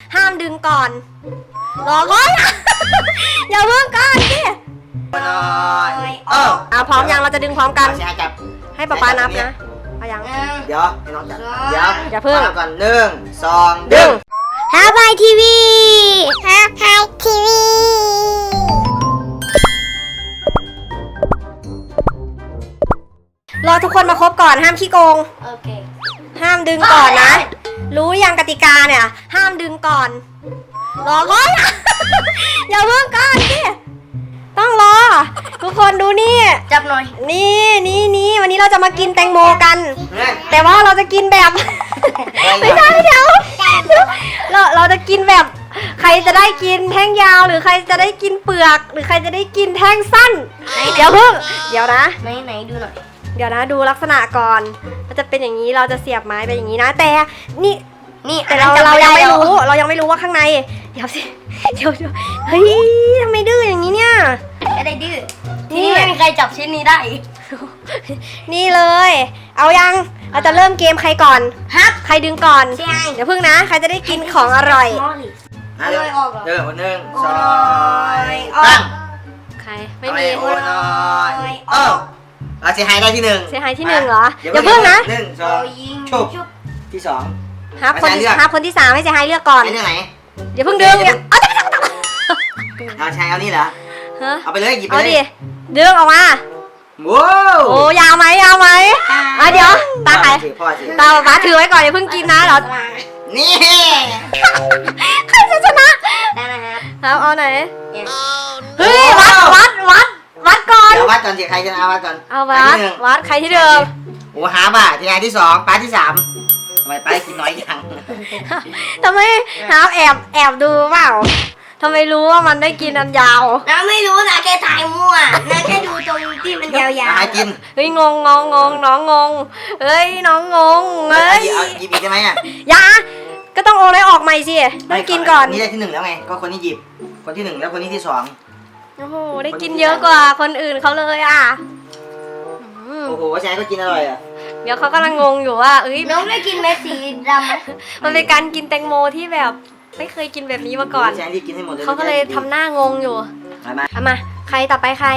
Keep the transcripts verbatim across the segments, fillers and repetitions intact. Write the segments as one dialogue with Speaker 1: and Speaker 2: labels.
Speaker 1: ห้ามดึงก่อนรอก่อน อย่าเพิ่งก่อนสิเอออ่ะพร้อมยังเราจะดึงพร้อมกันให้ป๊าป๊านับนะเอายัง
Speaker 2: เดี๋ยวให้น้องจับเดี๋ยว
Speaker 1: อย่าเพิ่ง
Speaker 2: ก่อนหนึ่งสองดึง
Speaker 1: ฮาบายทีวีฮาบายทีวีรอทุกคนมาครบก่อนห้ามขี้โกงโอเคห้ามดึงก่อนนะรู้ยังกติกาเนี่ยห้ามดึงก่อนรอก่อน อย่าเพิ่งก่อนสิต้องรอทุกคนดูนี่จับหน่อยนี่นี่นี่วันนี้เราจะมากินแตงโมกัน แต่ว่าเราจะกินแบบไม่ใช่เดี๋ยวเราเราจะกินแบบใครจะได้กินแท่งยาวหรือใครจะได้กินเปลือกหรือใครจะได้กินแท่งสั้นเดี๋ยวเพิ่งเดี๋ยวนะไหนไหนดูหน่อยเดี๋ยวนะดูลักษณะก่อนมันจะเป็นอย่างนี้เราจะเสียบไม้ไปอย่างนี้นะแต่นี่นี่แต่เราเรายังไม่รู้เรายังไม่รู้ว่าข้างในเดี๋ยวสิเดี๋ยวเฮ้ยทำไมดื้ออย่างนี้เนี่ยอะไรดื้อที่นี่ไม่มีใครจับชิ้นนี้ได้นี่เลยเอายังเราจะเริ่มเกมใครก่อนฮับใครดึงก่อนเดี๋ยวพึ่งนะใครจะได้กินของอร่อย
Speaker 2: เริ่มออกเริ่มหนึ่งสองตั้ง
Speaker 1: ใครไม่มี
Speaker 2: โอ้ยเออเราเสียหายได้ที่หนึ่ง
Speaker 1: เสียหายที่หนึ่งเหรออย่าเพิ่งนะ
Speaker 2: หนึ่งสองชุบที่สอง
Speaker 1: ฮับคนฮับคนที่สามให้เสียหายเลือกก่อน
Speaker 2: เรื่องไหน
Speaker 1: อย่าเพิ่งดึงเอา
Speaker 2: เอาใช้เอานี่เหรอเอาไปเลยหยิบไปเลย
Speaker 1: ดิดึงออกมา
Speaker 2: ว้าว
Speaker 1: โอ้ยาวไหมยาวไหมมาเดี๋ยวตาใครตาป๊าถือไว้ก่อนอย่าเพิ่งกินนะเดี๋ยว
Speaker 2: นี่
Speaker 1: ใครจะชนะได้นะครับครับเอาไหนเฮ้ยวัดวัดวัดวัดก่อน
Speaker 2: เดี๋ยววัดก่อนสิใครจะเอาวัดก่อน
Speaker 1: เอาวัดวัดใครที่เดิม
Speaker 2: โอ้หาบ่าที่ไหนที่สองป้าที่สามทำไมป้ากินน้อยยัง
Speaker 1: ทำไมหาแอบแอบดูเปล่าทำไมรู้ว่ามันได้กินอันยาว
Speaker 3: น้าไม่รู้นะแค่ถ่ายมั่วน้าแค่ดูตรงที่มันยาวๆ
Speaker 2: หากิน
Speaker 1: เฮ้ยงงงงงงน้องงงเฮ้ยน้องงงเฮ้ย
Speaker 2: หยิบอีกได้ไหมอ่ะ
Speaker 1: ยาก็ต้องโอนให้ออกใหม่สิต้องกินก่อน
Speaker 2: นี่ได้ที่หนึ่งแล้วไงก็คนที่หยิบคนที่หนึ่งแล้วคนนี้ที่สอง
Speaker 1: โอ้โหได้กินเยอะกว่าคนอื่นเขาเลยอ่ะ
Speaker 2: โอ้โหแชร์ก็กินอร่อยอ่ะ
Speaker 1: เดี๋ยวเขากำลังงงอยู่ว่าเอ้ย
Speaker 3: น้องได้กินเม็ดสีดำไหม
Speaker 1: มันเป็นการกินแตงโมที่แบบไม่เคยกินแบบนี้มาก่อนเขาก็เลยทำหน้างงอยู่เอามาใครต่อไปใคร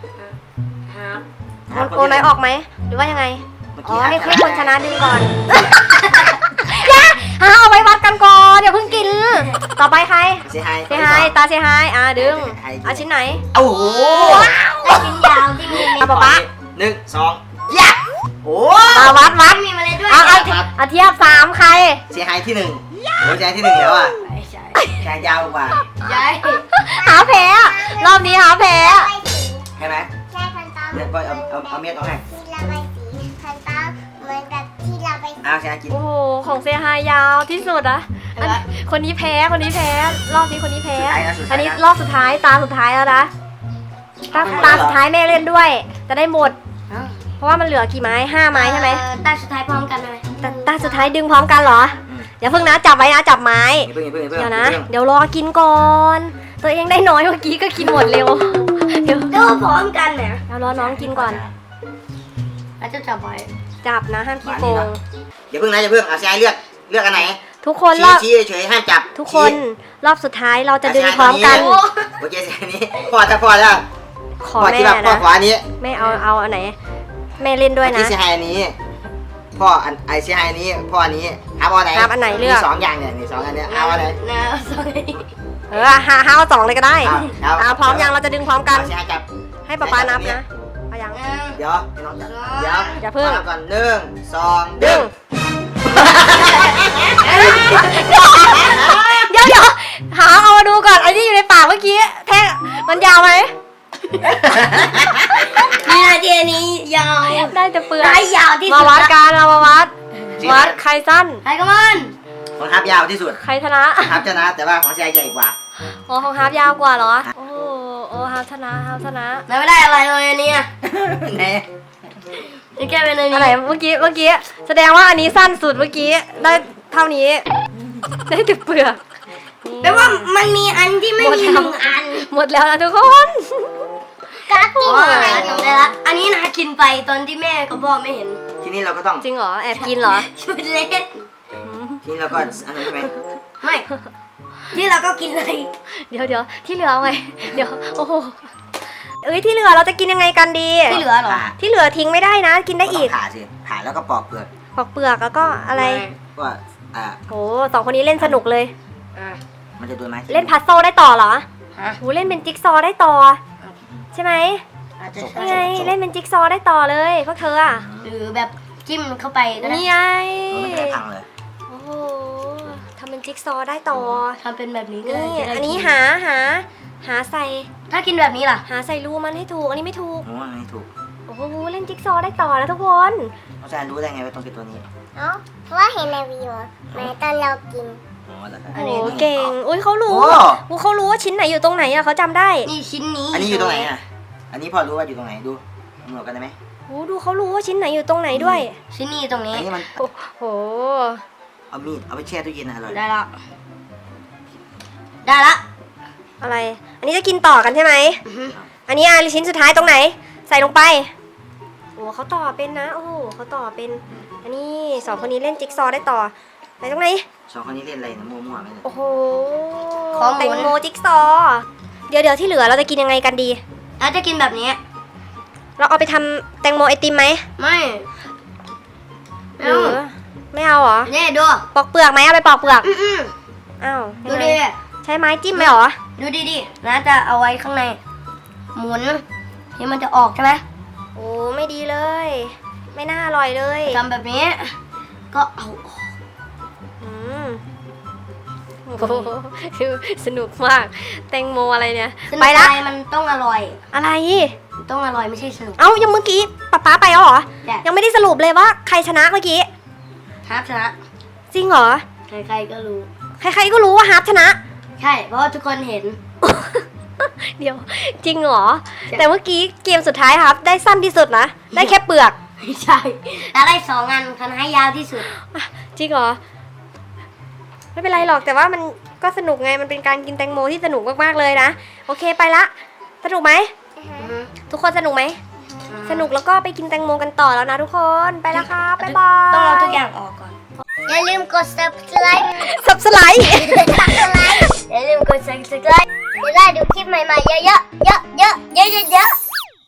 Speaker 1: โอนไหนออกไหมหรือว่ายังไงอ๋อให้ให้คนชนะดึงก่อนอย่าหาเอาไว้วัดกันก่อนเดี๋ยวเพิ่งกินต่อไปใคร
Speaker 2: เสียหาย
Speaker 1: เสียหายตาเสียหายอ่ะดึงเอาชิ้นไหน
Speaker 2: โอ้โห
Speaker 3: ชิ้นยาวที่มีเม็ด
Speaker 1: ป๊าป๊า
Speaker 2: หนึ่งสองยักโอ้
Speaker 1: มาวัดวัด
Speaker 3: มีมาเลยด้วย
Speaker 1: เอาเอาเอาเทียบสามใคร
Speaker 2: เสียหายที่หนึ่งโอ้เสียหายที่หนึ่งแล้วอ่ะแขนยาวกว่า
Speaker 3: ใช่
Speaker 1: หาแพ้รอบนี้หาแพ้
Speaker 2: ใช่ไหมใช่พันตาเนี่ยก็เอาเอาเอาเม็ดออกให้
Speaker 3: ที่ระบายสีพันตาเหมือนกับที่ระบายสี
Speaker 2: อ้าวใช่กิน
Speaker 1: โอ้โหของเซฮายยาวที่สุดอะคนนี้แพ้คนนี้แพ้รอบนี้คนนี้แพ้อันนี้รอบสุดท้ายตาสุดท้ายแล้วนะตาตาสุดท้ายแม่เล่นด้วยจะได้หมดเพราะว่ามันเหลือกี่ไม้ห้าไม้ใช่ไหม
Speaker 3: ตาสุดท้ายพร้อมกันเลย
Speaker 1: ตาสุดท้ายดึงพร้อมกันเหรออย่าเพิ่งนะจับไว้นะจับไม้เดี๋ยวนะเดี๋ยวรอกินก่อนตัวเองได้น้อยเมื่อกี้ก็กินหมดเร็ว
Speaker 3: เดี๋ยวดูพร้อมกันเนี่ย
Speaker 1: เรารอน้องกินก่อน
Speaker 3: แล้วจะจับไว้
Speaker 1: จับนะห้ามขี้โกง
Speaker 2: อย่าเพิ่งนะอย่าเพิ่งเอาใช้เลือกเลือกอันไหน
Speaker 1: ทุกคน
Speaker 2: รอบชี้เฉยห้ามจับ
Speaker 1: ทุกคนรอบสุดท้ายเราจะดึงพร้อมกัน
Speaker 2: โอเคใช้นี้พอจะพอแล้ว
Speaker 1: ขอแม่นะ
Speaker 2: พ่อขวานี้
Speaker 1: แม่เอาเอาอันไหนแม่เล่นด้วยนะ
Speaker 2: ที่ใช้อันนี้พ่ออันไอใช้อันนี้พ่ออันนี้หาอันไหน
Speaker 1: อันไหนเลือก
Speaker 2: สองอย่างเนี่ยนี่สองอันเนี้ยเอาอันไหน
Speaker 1: เออหาหาเอาสองเลยก็ได้อ่าพร้อมยังเราจะดึงพร้อมกันให้ป๊าป๊านับนะเอายัง
Speaker 2: เดี๋ยวน้องจับเดี๋ยว
Speaker 1: อย่าเพิ่ง
Speaker 2: ก่อนหนึ่งสองดึง
Speaker 1: เดี๋ยวเดี๋ยวหาเอามาดูก่อนไอ้ที่อยู่ในปากเมื่อกี้แท่มันยาวไหม
Speaker 3: นี่นาทีนี้ยาว
Speaker 1: ได้จะเปลือก
Speaker 3: ได้ยาวที่สุด
Speaker 1: มาวัดกันเรามาวัดวัดใครสั้น
Speaker 3: ใครก็มัน
Speaker 2: ของฮาร์ปยาวที่สุด
Speaker 1: ใครชนะ
Speaker 2: ฮาร์ปชนะแต่ว่าของเสียใหญ่กว่า
Speaker 1: อ๋อของฮาร์ปยาวกว่าเหรอโอ้โอ้ฮาร์ปชนะฮาร์ปชนะ
Speaker 3: ไม่ได้อะไรเลยอันนี้
Speaker 2: ไหน
Speaker 3: นี่แกเป็น
Speaker 1: อะไรเมื่อกี้เมื่อกี้แสดงว่าอันนี้สั้นสุดเมื่อกี้ได้เท่านี้ได้แต่เปลือก
Speaker 3: แปลว่ามันมีอันที่ไม่มีหนึ่งอัน
Speaker 1: หมดแล้วนะทุกคน
Speaker 3: กากินอะไรจำได้ละอันนี้นากินไปตอนที่แม่กับพ่อไม่เห็น
Speaker 2: ทีนี้เราก็ต้อง
Speaker 1: จริงเหรอแอบกินเหรอ
Speaker 3: ชุดเล็ก
Speaker 2: ทีนี้เราก็อันนั้นใช่ไหม
Speaker 3: ไม่ที่เราก็กินเลย
Speaker 1: เดี๋ยวเดี๋ยวที่เหลือเอาไงเดี๋ยวโอ้โหเอ้ยที่เหลือเราจะกินยังไงกันดี
Speaker 3: ที่เหลือเหรอ
Speaker 2: ผ่า
Speaker 1: ที่เหลือทิ้งไม่ได้นะ กินได้อีก
Speaker 2: ผ่าสิผ่าแล้วก็ปอกเปลือก
Speaker 1: ปอกเปลือกแล้วก็อะไร
Speaker 2: ว่าอ่า
Speaker 1: โหสองคนนี้เล่นสนุกเลย
Speaker 3: อ่ะ
Speaker 2: มันจะโดนไม้
Speaker 1: เล่นพัซโซลได้ต่อเหรอ
Speaker 3: ฮะ
Speaker 1: โหเล่นเป็นจิ๊กซอว์ได้ต่อ ใช่ไหม
Speaker 3: อาจจะ
Speaker 1: นี่
Speaker 3: ใช่
Speaker 1: ไงเล่นเป็นจิ๊กซอว์ได้ต่อเลยพวกเธออ่ะ
Speaker 3: หรือแบบจิ้มเข้าไปก็ได้
Speaker 1: นี่ไง
Speaker 2: มันไม่ได้พังเลย
Speaker 1: โอ้โหทำเป็นจิ๊กซอว์ได้ต่อ
Speaker 3: ทำเป็นแบบนี้ก็
Speaker 1: นี่
Speaker 3: ได้จะได้
Speaker 1: อันนี้
Speaker 3: กิ
Speaker 1: หาหาหาใส่
Speaker 3: ถ้ากินแบบนี้ล่ะ
Speaker 1: หาใส่รูมันให้ถูกอันนี้ไม่ถูก
Speaker 2: โอ้อันนี้ถูก
Speaker 1: โอ้โหเล่นจิ๊กซอว์ได้ต่อแล้วทุกคน
Speaker 2: อาจารย์รู้ได้ไงว่าต้องเป็นตัวนี้
Speaker 4: เอ้าเพราะว่าเห็นในวิดีโอแม้ตอนเรากิน
Speaker 2: อ๋อเหรอครับ
Speaker 3: อั
Speaker 1: โอ้
Speaker 3: นนี้
Speaker 1: โหเก่งอุ้ยเขารู้
Speaker 2: โอ้
Speaker 1: อู้เขารู้ว่าชิ้นไหนอยู่ตรงไหนอะเขาจำได้
Speaker 3: นี่ชิ้นนี้
Speaker 2: อันนี้อยู่ตรงไหนอ่ะ อันนี้พอรู้ว่าอยู่ตรงไหนดูตำรวจกันได้ไหม
Speaker 1: โอ้ดูเขารู้ว่าชิ้นไหนอยู่ตรงไหนด้วย
Speaker 3: ชิ้นนี้ตรงนี้
Speaker 2: อันนี้มัน
Speaker 1: โอ้โห
Speaker 2: เอามีดเอาไปแช่ตู้เย็นนะอร่อย
Speaker 3: ได้ละได้ละ
Speaker 1: อะไร อันนี้จะกินต่อกันใช่ไหม
Speaker 3: อือฮึ
Speaker 1: อันนี้อ่ะชิ้นสุดท้ายตรงไหน ใส่ลงไป โอ้เขาต่อเป็นนะ โอ้โหเขาต่อเป็น อันนี้สองคนนี้เล่นจิ๊กซอว์ได้ต่อไหนตรงไหน
Speaker 2: สองคนนี้เล่นอะไรนะมั่วๆไหมเนี่ย
Speaker 1: โอ้โห
Speaker 3: ของหมุน
Speaker 1: แตงโมจิ๊กซอว์เดี๋ยวเดี๋ยวที่เหลือเราจะกินยังไงกันดี
Speaker 3: แล้วจะกินแบบนี้
Speaker 1: เราเอาไปทำแตงโมไอติมไหม
Speaker 3: ไม่
Speaker 1: ห
Speaker 3: ไม่
Speaker 1: รื
Speaker 3: เอา
Speaker 1: อไม่เอาเหรอ
Speaker 3: นี่ดู
Speaker 1: ปอกเปลือกไหมเอาไปปอกเปลือก
Speaker 3: อือ
Speaker 1: อ้าว
Speaker 3: ๆดู
Speaker 1: ยังไง
Speaker 3: ดิ
Speaker 1: ใช้ไม้จิ้มไหมเหรอ
Speaker 3: ดูดิดินะจะเอาไว้ข้างใน หมุนที่มันจะออกใช่ไหม
Speaker 1: โอ้ไม่ดีเลย ไม่น่าอร่อยเลย
Speaker 3: ทำแบบนี้ ก็เอาออก
Speaker 1: อืมโอ้โหสนุกมาก แตงโมอะไรเนี่ย
Speaker 3: สนุก
Speaker 1: ไปละ
Speaker 3: ใจมันต้องอร่อย
Speaker 1: อะไร
Speaker 3: มันต้องอร่อยไม่ใช่สนุก
Speaker 1: เอ้ายังเมื่อกี้ป๊าป๊าไปแล้วเหรอ
Speaker 3: ใช่
Speaker 1: ยังไม่ได้สรุปเลยว่าใครชนะเมื่อกี้
Speaker 3: ฮาร์ปชนะ
Speaker 1: จริงเหรอ
Speaker 3: ใครๆก็รู้
Speaker 1: ใครๆก็รู้ว่าฮาร์ปชนะ
Speaker 3: ใช่ เพราะว่าทุกคนเห็น
Speaker 1: เดี๋ยว จริงเหรอ
Speaker 3: ใช่
Speaker 1: แต่เมื่อกี้เกมสุดท้ายครับ ได้สั้นที่สุดนะ ได้แค่เปลือก
Speaker 3: ไม่ใช่แล้วได้สองอันคันให้ยาวที่สุด
Speaker 1: จริงเหรอ ไม่เป็นไรหรอกแต่ว่ามันก็สนุกไงมันเป็นการกินแตงโมที่สนุกมากๆเลยนะ โอเคไปละ สนุกไหม ทุกคนสนุกไหม สนุกแล้วก็ไปกินแตงโมกันต่อแล้วนะทุกคนไปแล้วครับบ๊ายบาย
Speaker 3: ต้องเอาทุกอย่างออกก่อน
Speaker 4: อย่าลืมกด subscribe
Speaker 1: สับสไลด์
Speaker 4: subscribe อย่าลืมกด subscribe จะได้ดูคลิปใหม่ๆเยอะๆเยอะๆเยอะๆเยอะๆ